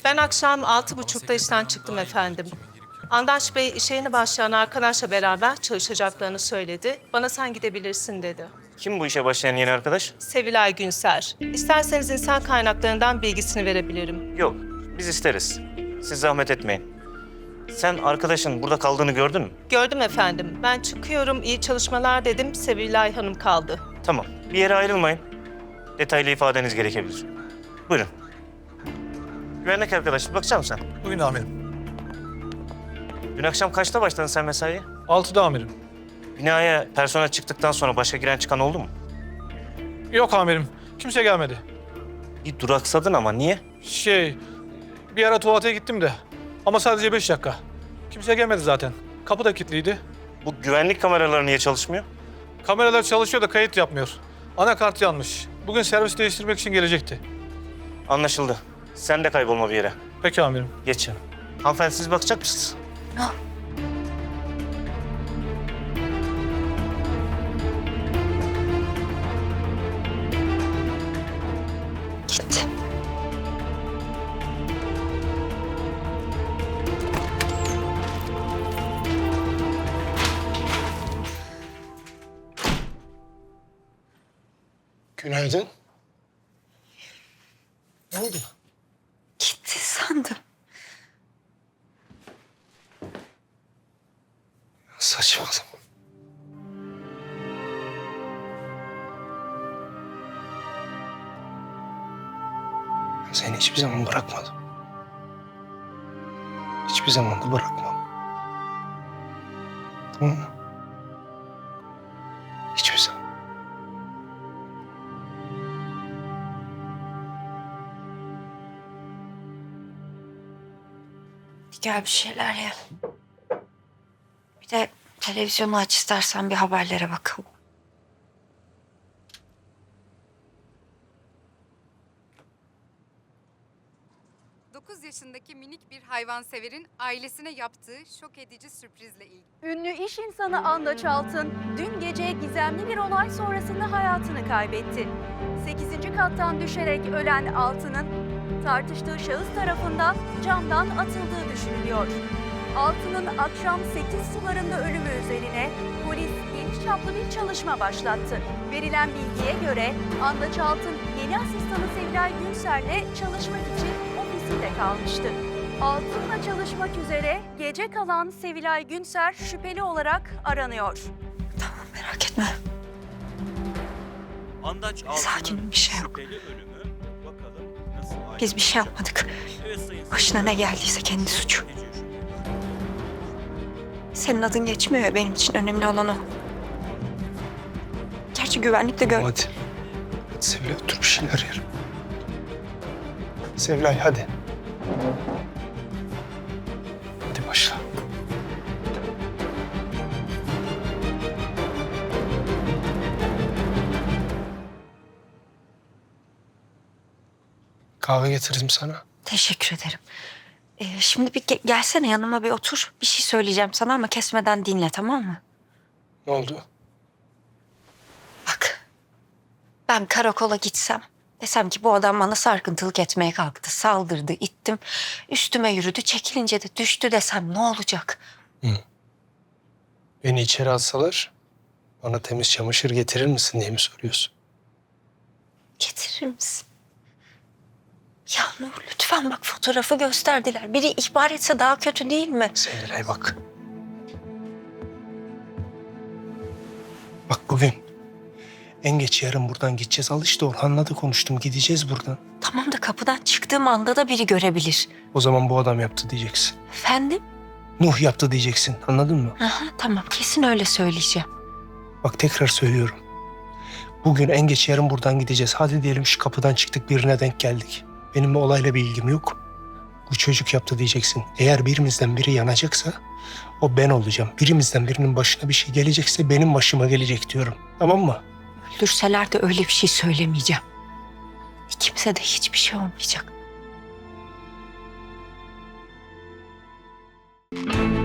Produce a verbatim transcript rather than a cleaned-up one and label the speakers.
Speaker 1: Ben akşam altı buçukta işten çıktım efendim. Andaç Bey işe yeni başlayan arkadaşla beraber çalışacaklarını söyledi. Bana sen gidebilirsin dedi.
Speaker 2: Kim bu işe başlayan yeni arkadaş?
Speaker 1: Sevilay Günser. İsterseniz insan kaynaklarından bilgisini verebilirim.
Speaker 2: Yok, biz isteriz. Siz zahmet etmeyin. Sen arkadaşın burada kaldığını gördün mü?
Speaker 1: Gördüm efendim. Ben çıkıyorum, iyi çalışmalar dedim. Sevilay Hanım kaldı.
Speaker 2: Tamam, bir yere ayrılmayın. Detaylı ifadeniz gerekebilir. Buyurun. Güvenlik arkadaş, bakacak mısın sen?
Speaker 3: Bugün amirim.
Speaker 2: Dün akşam kaçta başladın sen mesaiye?
Speaker 3: Altıda amirim.
Speaker 2: Binaya personel çıktıktan sonra başka giren çıkan oldu mu?
Speaker 3: Yok amirim. Kimse gelmedi.
Speaker 2: Bir duraksadın ama niye?
Speaker 3: Şey, bir ara tuvalete gittim de. Ama sadece beş dakika. Kimse gelmedi zaten. Kapı da kilitliydi.
Speaker 2: Bu güvenlik kameraları niye çalışmıyor?
Speaker 3: Kameralar çalışıyor da kayıt yapmıyor. Anakart yanmış. Bugün servis değiştirmek için gelecekti.
Speaker 2: Anlaşıldı. Sen de kaybolma bir yere.
Speaker 3: Peki amirim.
Speaker 2: Geç canım. Hanımefendi siz bakacak mısınız?
Speaker 4: Gitti.
Speaker 5: Günaydın. Ne oldu?
Speaker 4: Gitti sandım.
Speaker 5: Saçmalama. Ben seni hiçbir zaman bırakmadım. Hiçbir zaman da bırakmam. Tamam mı? Hiçbir zaman.
Speaker 4: Gel bir şeyler ye. Bir de televizyonu aç istersen bir haberlere bakalım.
Speaker 6: dokuz yaşındaki minik bir hayvanseverin ailesine yaptığı şok edici sürprizle ilgili.
Speaker 7: Ünlü iş insanı Andaç Altın dün gece gizemli bir olay sonrasında hayatını kaybetti. sekizinci kattan düşerek ölen Altın'ın tartıştığı şahıs tarafından camdan atıldığı düşünülüyor. Altın'ın akşam sekiz sularında ölümü üzerine polis geniş çaplı bir çalışma başlattı. Verilen bilgiye göre Andaç Altın yeni asistanı Sevilay Günser'le çalışmak için ofisinde kalmıştı. Altın'la çalışmak üzere gece kalan Sevilay Günser şüpheli olarak aranıyor.
Speaker 4: Tamam, merak etme.
Speaker 8: Andaç
Speaker 4: Sakinim, bir şey yok.
Speaker 8: şüpheli ölümü, bakalım nasıl
Speaker 4: Biz bir şey yapmadık.
Speaker 8: Evet, sayın
Speaker 4: Başına ne geldiyse kendi suçu. Senin adın geçmiyor ya, benim için önemli olan o. Gerçi güvenlikte gör...
Speaker 5: Hadi. Hadi Sevilay otur bir şeyler yerim. Sevilay hadi. Hadi başla. Kahve getiririm sana.
Speaker 4: Teşekkür ederim. Ee, şimdi bir ge- gelsene yanıma, bir otur. Bir şey söyleyeceğim sana ama kesmeden dinle, tamam mı?
Speaker 5: Ne oldu?
Speaker 4: Bak, ben karakola gitsem, desem ki bu adam bana sarkıntılık etmeye kalktı, saldırdı, ittim, üstüme yürüdü, çekilince de düştü desem ne olacak?
Speaker 5: Beni içeri alsalar bana temiz çamaşır getirir misin diye mi soruyorsun?
Speaker 4: Getirir misin? Ya Nur, lütfen bak, fotoğrafı gösterdiler. Biri ihbar etse daha kötü değil mi?
Speaker 5: Sevilay bak. Bak bugün en geç yarın buradan gideceğiz. Al işte Orhan'la da konuştum. Gideceğiz buradan.
Speaker 4: Tamam da kapıdan çıktığım anda da biri görebilir.
Speaker 5: O zaman bu adam yaptı diyeceksin.
Speaker 4: Efendim?
Speaker 5: Nuh yaptı diyeceksin. Anladın mı?
Speaker 4: Aha, tamam, kesin öyle söyleyeceğim.
Speaker 5: Bak tekrar söylüyorum. Bugün en geç yarın buradan gideceğiz. Hadi diyelim şu kapıdan çıktık, birine denk geldik. Benim bu olayla bir ilgim yok. Bu çocuk yaptı diyeceksin. Eğer birimizden biri yanacaksa o ben olacağım. Birimizden birinin başına bir şey gelecekse benim başıma gelecek diyorum. Tamam mı?
Speaker 4: Öldürseler de öyle bir şey söylemeyeceğim. Kimse de hiçbir şey olmayacak.